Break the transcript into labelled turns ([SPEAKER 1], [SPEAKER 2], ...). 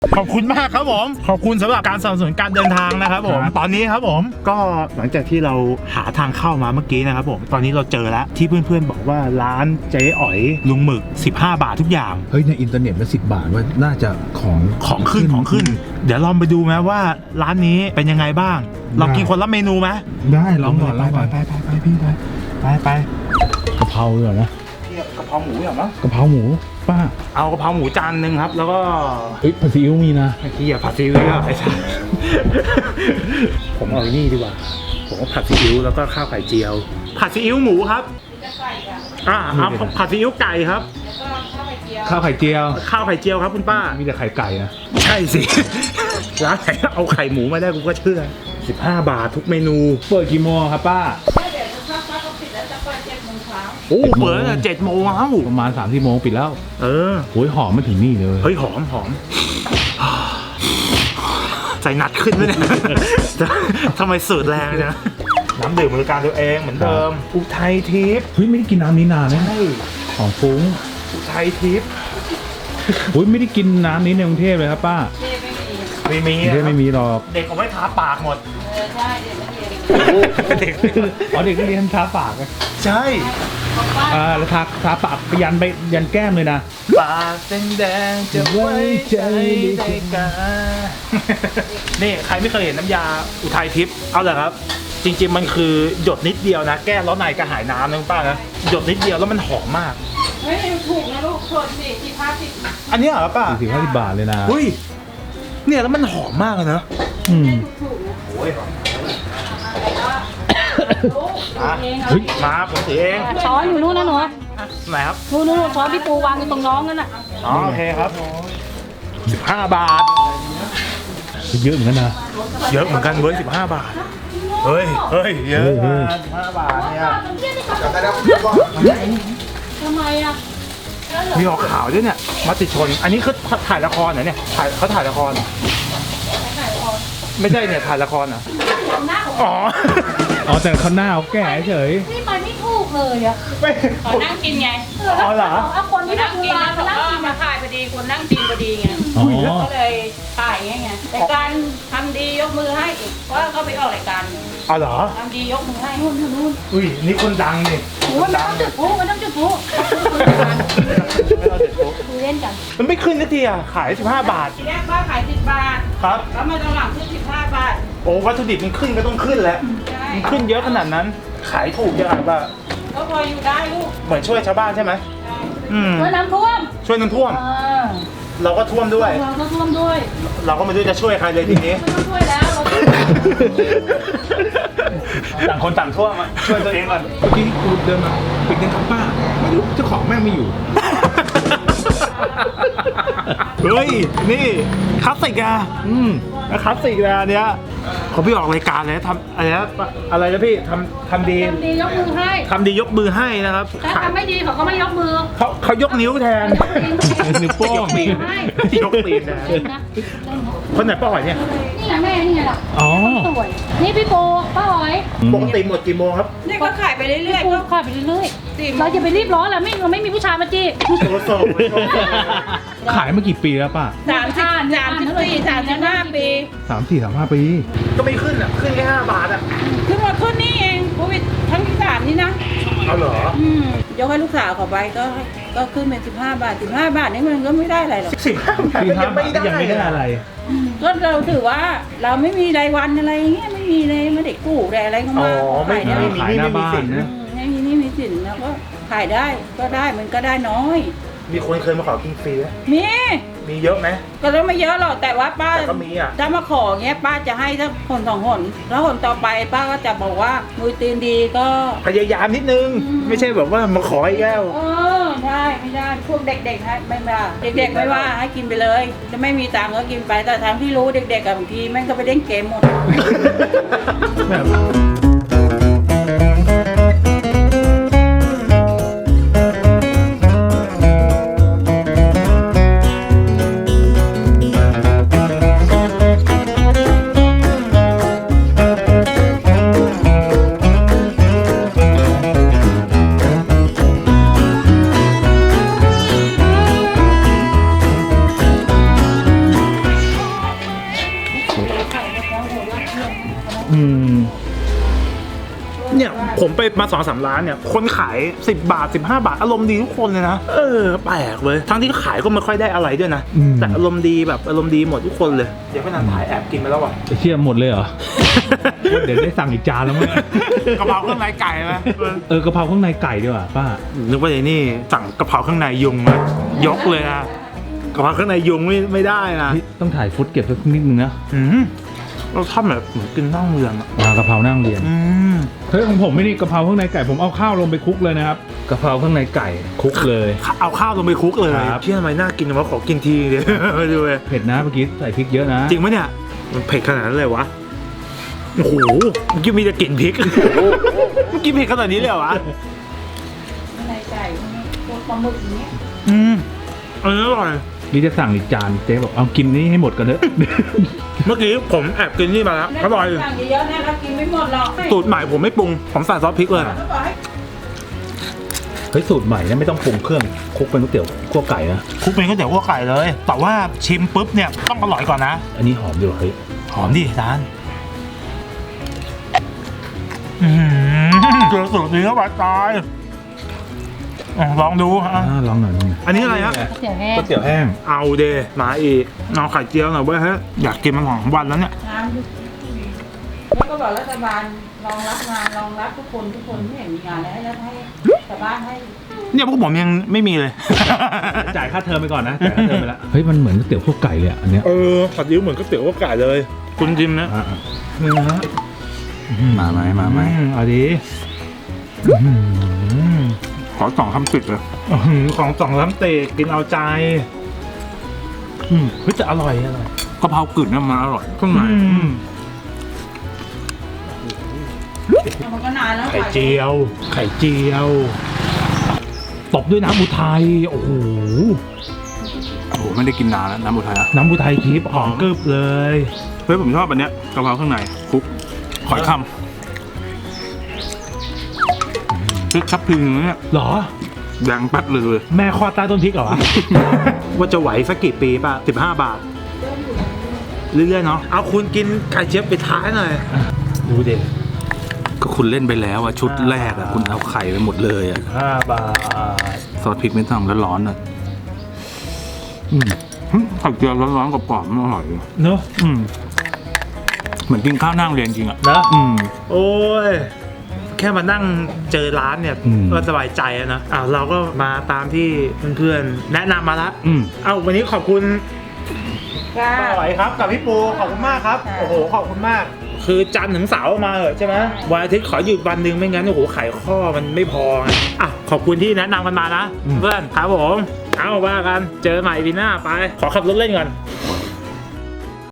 [SPEAKER 1] ขอบคุณมากครับผมขอบคุณสำหรับการสนับสนุนการเดินทางนะครับผมตอนนี้ครับผมก็หลังจากที่เราหาทางเข้ามาเมื่อกี้นะครับผมตอนนี้เราเจอแล้วที่เพื่อนๆบอกว่าร้านเจ๊อ๋อยลุงหมึก15 บาททุกอย่าง
[SPEAKER 2] เฮ้ยในอินเทอร์เน็ตมัน10 บาทว่าน่าจะของ
[SPEAKER 1] ขึ้นเดี๋ยวลองไปดูไหมว่าร้านนี้เป็นยังไงบ้างเรากินคนละเมนูไหม
[SPEAKER 2] ได้ลองก่อน
[SPEAKER 1] ไปพี่ไป
[SPEAKER 2] กะเพราเลยเหรอนะ
[SPEAKER 1] กะเพราหมูเหรอมั้ง
[SPEAKER 2] กะเพราหมูป้า
[SPEAKER 1] เอากะเพราหมูจานนึงครับแล้วก็
[SPEAKER 2] เฮ้ยผัดซีอิ๊วมีนะ
[SPEAKER 1] ไอ้ที่อย่าผัดซีอิ๊วไอ้ชาผมเอานี่ดีกว่าผมก็ผัดซีอิ๊วแล้วก็ข้าวไข่เจียวผัดซีอิ๊วหมูครับเอาผัดซีอิ๊วไก่ครับ
[SPEAKER 2] ข้าวไข่เจียว
[SPEAKER 1] ข้าวไข่เจียวครับคุณป้า
[SPEAKER 2] มีแต่ไข่ไก่นะ
[SPEAKER 1] ใช่สิ ร้านไหนเอาไข่หมูมาได้กูก็เชื่อ15 บาททุกเมนู
[SPEAKER 2] เปิดกี่โมงครับป้า
[SPEAKER 1] โอ้เปิดตั้งแต่7 โมงแล้ว
[SPEAKER 2] ประมาณ3-4 โมงปิดแล้ว
[SPEAKER 1] เออ
[SPEAKER 2] โอ้ยหอมมาถึงนี่เลย
[SPEAKER 1] เฮ้ยหอมใจหนัดขึ้นไหมเนี่ย ทำไมสูดแรงจังน้ำดื่มบริการตัวเองเหมือนเดิมอุทัยทิพย์
[SPEAKER 2] เฮ้ยไม่ได้กินน้ำนี้นานนะ
[SPEAKER 1] ใช่
[SPEAKER 2] ของฟุ้ง
[SPEAKER 1] อุทัยทิพย์
[SPEAKER 2] โอ้ยไม่ได้กินน้ำนี้ในกรุงเทพเลยครับป้า
[SPEAKER 1] ไม่มี
[SPEAKER 2] กรุงเทพไม่มีหรอก
[SPEAKER 1] เด็กเอาไว้ทาปากหมด
[SPEAKER 3] ใช่เด็กนักเรียน
[SPEAKER 1] เด็ก
[SPEAKER 2] อ๋อเด็กนักเรียนทาปากนะ
[SPEAKER 1] ใช่
[SPEAKER 2] แล้วทาปากไปยันแก้มเลยนะ
[SPEAKER 1] ปากแดงๆจะไว้ใจได้กันนี่ใครไม่เคยเห็นน้ำยาอุทัยทิพย์เอาเลยครับ จริงๆมันคือหยดนิดเดียวนะแก้ร้อนในกระหายน้ำนะคุณป้านะหยดนิดเดียวแล้วมันหอมมาก
[SPEAKER 3] เฮ้ยถูกนะลูกชนสิ15
[SPEAKER 1] อันนี้เหรอป้า
[SPEAKER 2] 40-50 บาทเลยนะ
[SPEAKER 1] เฮ้ยเนี่ยแล้วมันหอมมากเลยนะ
[SPEAKER 2] อืม
[SPEAKER 3] ถูกนะ
[SPEAKER 1] โอ้ย
[SPEAKER 3] ลูกเอง
[SPEAKER 2] เฮ้ย
[SPEAKER 1] มาผมถือเอง
[SPEAKER 4] ช้อนอยู่นู้นนะหนู
[SPEAKER 1] ไหนครับ
[SPEAKER 4] นู้นช้อนพี่ปูวางอยู่ตรงน้องนั่นน่ะ
[SPEAKER 1] อ๋อโอเคครับ15 บาท
[SPEAKER 2] เยอะเหมือนกันนะ
[SPEAKER 1] เยอะเหมือนกันเว้ย15 บาทเฮ้ยเยอะ
[SPEAKER 2] เฮ้ย
[SPEAKER 1] นะ15 บาทเนี่ย
[SPEAKER 4] ทำไมอ่ะ
[SPEAKER 1] มีออกข่าวด้วยเนี่ยมติชนอันนี้คือถ่ายละครเหรอเนี่ยเขาถ่ายละครเหรอไม่ใช่เนี่ยถ่ายละครเหรออ๋อ
[SPEAKER 2] อ๋อแต่เขาหน้าเขาแก่เฉย
[SPEAKER 4] นี่ไปไม่ถูกเลยอ่ะ
[SPEAKER 1] ไม่
[SPEAKER 3] ขอนั่งกินไง
[SPEAKER 1] อ๋อเหรอ
[SPEAKER 4] เอาคนที่
[SPEAKER 3] นั่ง
[SPEAKER 4] ทำ
[SPEAKER 3] กิน
[SPEAKER 4] งา
[SPEAKER 3] แล้
[SPEAKER 4] น
[SPEAKER 3] ว
[SPEAKER 4] มา
[SPEAKER 3] เขา
[SPEAKER 4] นั่งกิน
[SPEAKER 3] ก็มา
[SPEAKER 4] อ่ะ
[SPEAKER 3] ถ่ายพอดีคนนั่งกินพอดีไง
[SPEAKER 2] อ๋อ
[SPEAKER 3] ก็เลยถ่ายไงแต่การทำดียกมือให้อีกเพราะว่าเขาไปออกรายการ
[SPEAKER 1] อ๋อเหรอ
[SPEAKER 3] ทำดียกมือให้
[SPEAKER 4] นู่นนู่น
[SPEAKER 1] อุ้ยนี่คนดังนี่
[SPEAKER 4] โอ้ยมันต้องจุดพลุมันต้องจุดพลุคุยเล่นกัน
[SPEAKER 1] มันไม่ขึ้นสักทีอ่ะขาย15 บาท
[SPEAKER 3] ทีแรกป้าขาย10 บาท
[SPEAKER 1] ครับ
[SPEAKER 3] แล้วมาตอนหลังขึ้น15 บาท
[SPEAKER 1] โอ้วัตถุดิบมันขึ้นก็ต้องขึ้นแล้ว
[SPEAKER 3] ใช่
[SPEAKER 1] มันขึ้นเยอะขนาดนั้น ขายถูกจังป่ะ
[SPEAKER 3] ก็พออยู่ได้ลูก
[SPEAKER 1] เหมือนช่วยชาวบ้านใช่ไหม
[SPEAKER 3] ใช่
[SPEAKER 4] ช่วยน้ำท่วม
[SPEAKER 1] ช่วยน้ำท่วม เราก็ท่วมด้วย
[SPEAKER 4] เราก็ท่วมด้วย
[SPEAKER 1] เราก็ไม่รู้จะช่วยใครเลยทีนี้
[SPEAKER 4] ไม่ต้องช่วยแล้วเรา
[SPEAKER 1] ต่างคนต่างท่วมอะช่วยตัวเองก่อน
[SPEAKER 2] เมื่อกี้กูเดินมาปิดเงินครับป้า ไม่รู้เจ้าของแม่งไม่อยู่
[SPEAKER 1] เฮ้ย นี่คลาสสิกอะคลาสสิกนะอันเนี้ยเขาพี่ออกรายการเลยนะทำอะไรนะพี่ทำดี
[SPEAKER 4] ทำดียกมือให้
[SPEAKER 1] ทำดียกมือให้นะครับ
[SPEAKER 4] ถ้าทำไม่ดีเขาก็ไม่ยกมือ
[SPEAKER 1] เขายกนิ้วแทน
[SPEAKER 2] นิ้วโป้ง
[SPEAKER 1] ยกตีนยกตีนนะ
[SPEAKER 4] เล่นนะ
[SPEAKER 1] คนไหนป้าหอยเนี่ย
[SPEAKER 4] นี่ไงแม่นี่ไงล่ะ
[SPEAKER 2] อ๋อ
[SPEAKER 4] สวยนี่พี่ปูป้าหอย
[SPEAKER 1] ปกติหมดกี่โมงครับ
[SPEAKER 3] นี่ก็ขายไปเรื่อย
[SPEAKER 4] ปู
[SPEAKER 3] ๆก็
[SPEAKER 4] ขายไปเรื่อยๆเราอย่าไปรีบร้อนแล้วเราไม่มีผู้ชายมาจี
[SPEAKER 1] โซโซ
[SPEAKER 2] ขายมากี่ปีแล้วป้า
[SPEAKER 3] 35 ปี
[SPEAKER 2] 3-4-3-5 ปี
[SPEAKER 1] ก็ไม่ขึ้นอ่ะ ขึ้นแค่5 บาทอ่ะ
[SPEAKER 3] ขึ้นมาขึ้นนี่เองโควิดครั้งที่3นี่นะ
[SPEAKER 1] เอาเหรอ
[SPEAKER 3] ยกให้ลูกสาวเขาไปก็ขึ้นเป็น15 บาท15 บาทนี่มันก็ไม่ได้อะไรหรอก
[SPEAKER 1] 15 บาทก็ยังไม่ได้
[SPEAKER 2] ยังไม่ได้อะไร
[SPEAKER 3] ก็เราถือว่าเราไม่มีรายวันอะไรอย่างเงี้ยไม่มีเลยไม่ได้กู้ได้อะไรเข้า
[SPEAKER 1] อ๋
[SPEAKER 3] มา
[SPEAKER 1] อไม่
[SPEAKER 3] ขายได้
[SPEAKER 1] มี
[SPEAKER 2] ขายหน้าบ้านนะ
[SPEAKER 3] ไม่มีหนี่มีสินแล้วก็ขายได้ก็ได้มันก็ได้น้อย
[SPEAKER 1] มีคนเคยมาขอกินฟรีไหม
[SPEAKER 3] มี
[SPEAKER 1] มีเยอะไหม
[SPEAKER 3] ก็แล้วไม่เยอะหรอกแต่ว่าป้า
[SPEAKER 1] แต่ก็มีอ่ะ
[SPEAKER 3] ถ้ามาขอเงี้ยป้าจะให้สักคน2 คนแล้วคนต่อไปป้าก็จะบอกว่ามือตีนดีก็
[SPEAKER 1] พยายามนิดนึง ไม่ใช่แบบว่ามาขออีกแล้ว
[SPEAKER 3] ได้ไม่ได้พวกเด็กๆให้ไม่ว่าเด็กๆไม่ว่าให้กินไปเลยจะไม่มีตังค์ก็กินไปแต่ทางที่รู้เด็กๆกับบางทีแม่งก็ไปเล่นเกมหมด
[SPEAKER 2] แบบ
[SPEAKER 1] เนี่ยผมไปมา2-3 ร้านเนี่ยคนขาย10 บาท 15 บาทอารมณ์ดีทุกคนเลยนะแปลกเลยทั้งที่ขายก็ไม่ค่อยได้อะไรด้วยนะแต่อารมณ์ดีแบบอารมณ์ดีหมดทุกคนเลยเดี๋ยวพี่นันถ่ายแอบกินไปแล้วอ่ะ
[SPEAKER 2] เชี่ยหมดเลยเหรอ เดี๋ยวได้สั่งอีกจานแล้วมั้ง
[SPEAKER 1] กะเพราเครื่องในไก่ไหม
[SPEAKER 2] กะเพราข้างในไก่ดีกว่าป้า
[SPEAKER 1] นึกว่าไอ้นี่สั่งกะเพราข้างในยุงนะยกเลยนะกะเพราข้างในยุงไม่ได้นะ
[SPEAKER 2] ต้องถ่ายฟุตเก็บสักนิดนึงนะ
[SPEAKER 1] เราทำแบบเหมือนกินนั่งเรือนอะ
[SPEAKER 2] กะเพรานั่งเรียนเฮ้ยของผมไม่นี่กะเพราข้างในไก่ผมเอาข้าวลงไปคลุกเลยนะครับกะเพราข้างในไก่คลุกเลย
[SPEAKER 1] เอาข้าวลงไปคลุกเลย
[SPEAKER 2] ครับ
[SPEAKER 1] เชื่อทำไมน่ากินวะขอกินทีเดียวไปดูเลย
[SPEAKER 2] เผ็ดนะเมื่อกี้ใส่พริกเยอะนะ
[SPEAKER 1] จริงไหมเนี่ยมันเผ็ดขนาดนั้นเลยวะโอ้โหเมื่อกี้มีแต่กลิ่นพริกเมื่อกี้เผ็ดขนาดนี้เลยเหรอวะ
[SPEAKER 3] ในไก่พวกปลาหมึกอย่างเงี้ย
[SPEAKER 1] อันนี้อร่อย
[SPEAKER 2] นี่จะสั่งอีกจานเจ๊บอกเอากินนี้ให้หมดกันเถอะ
[SPEAKER 1] เมื่อกี้ผมแอบกินนี่มาแล้วอร่อย
[SPEAKER 3] สั่งเยอะๆนะเรากินไม่หมดหรอก
[SPEAKER 1] สูตรใหม่ผมไม่ปรุงผมใส่ซอสพริกเลย
[SPEAKER 3] แล้วบอกให้
[SPEAKER 2] เฮ้ยสูตรใหม่เนี่ยไม่ต้องปรุงเครื่องคลุกเป็นก๋วยเตี๋ยวคั่วไก่นะ
[SPEAKER 1] คลุกเป็นก๋วยเตี๋ยวคั่วไก่เลย แต่ว่าชิมปุ๊บเนี่ยต้องอร่อยก่อนนะ
[SPEAKER 2] อันนี้หอมดีว่ะเฮ้ย
[SPEAKER 1] หอมดิร้านเจอสูตรนี้แล้วบาดตายลองดูอ่ะ
[SPEAKER 2] ลองหน่อยลองหน่อย
[SPEAKER 1] อันนี้อะไรฮะ
[SPEAKER 4] เดี๋ยวแห้ง
[SPEAKER 2] ก๋วยเตี๋ยวแห้ง
[SPEAKER 1] เอาเดมาอีกเอาไข่เจียวหน่อยเว้ยฮะอยากกินมัน2 วันแล้วเนี่ย
[SPEAKER 3] น้ำแล้วก็บอกรัฐบาลรองรับงานรองรับทุกคนไม่เห็นมีงานแล้วให้ชาวบ้านให้
[SPEAKER 1] เนี่ยพวกผมยังไม่มีเลย
[SPEAKER 2] จ่ายค่าเทอมไปก่อนนะจ่ายค่าเทอมไปแล้วเฮ้ยมันเหมือนก๋วยเตี๋ยวคั่วไก่เลยอ่ะอันเนี้ย
[SPEAKER 1] ผัดยิ้วเหมือนก๋วยเตี๋ยวคั่วไก่เลย คุณจิมนะ
[SPEAKER 2] อ่ะ
[SPEAKER 1] เนื้อ
[SPEAKER 2] มาไหมเอาดิ
[SPEAKER 1] ขอ2 คำติดเลยของ2 คำติดกินเอาใจเฮ้ยจะอร่อยกะเพรากึ่นเนี่ยมันอร่อยข้างใน
[SPEAKER 3] มันก็นานแล้ว
[SPEAKER 2] ไข่เจียวตบด้วยน้ำอุทัยโอ้โห
[SPEAKER 1] โอ้โหไม่ได้กินนานแล้วน้ำอุทัยอะ
[SPEAKER 2] น้ำอุทัยทิพย์หอมกรึบเลย
[SPEAKER 1] เฮ้ยผมชอบอันเนี้ยกะเพราข้างในคลุกขอยคำพริกชับพริงเนี่ย
[SPEAKER 2] เหรอ
[SPEAKER 1] แดงปัดเลย
[SPEAKER 2] แม่คลอดใต้ต้นพริกเหรอวะ
[SPEAKER 1] ว่าจะไหวสักกี่ปีป่ะ15 บาทเรื่อยๆเนาะเอาคุณกินไข่เจี๊ยบไปท้ายหน่อย
[SPEAKER 2] ดูเด็ก
[SPEAKER 5] ก็คุณเล่นไปแล้วอะชุดแรกอะคุณเอาไข่ไปหมดเลยอะ
[SPEAKER 2] 5 บาท
[SPEAKER 5] ซอสพริกไม่ต้องแล้วร้อนอะไข่เจียวร้อนๆกับกรอบๆมันอร่อย
[SPEAKER 2] เนอะ
[SPEAKER 5] เหมือนกินข้าวนั่งเรียนจริงอะ
[SPEAKER 1] นะโอ้ยแค่มานั่งเจอร้านเนี่ยก็สบายใจแล้วนะเราก็มาตามที่เพื่อนๆแนะนำมาแล้ววันนี้ขอบคุณ
[SPEAKER 3] จ้า
[SPEAKER 1] ป้าไหวครับกับพี่ปูขอบคุณมากครับ
[SPEAKER 3] ค่ะ
[SPEAKER 1] โอ้โหขอบคุณมาก คือจันทร์ถึงเสาร์มาเหอะใช่ไหมวันอาทิตย์ขอหยุดวันหนึ่งไม่งั้นโอ้โหไขข้อมันไม่พอไงขอบคุณที่แนะนำกันมานะเพื่อนครับผมเอาว่ากันเจอใหม่ปีหน้าไปขอขับรถเล่นก่อน
[SPEAKER 5] ข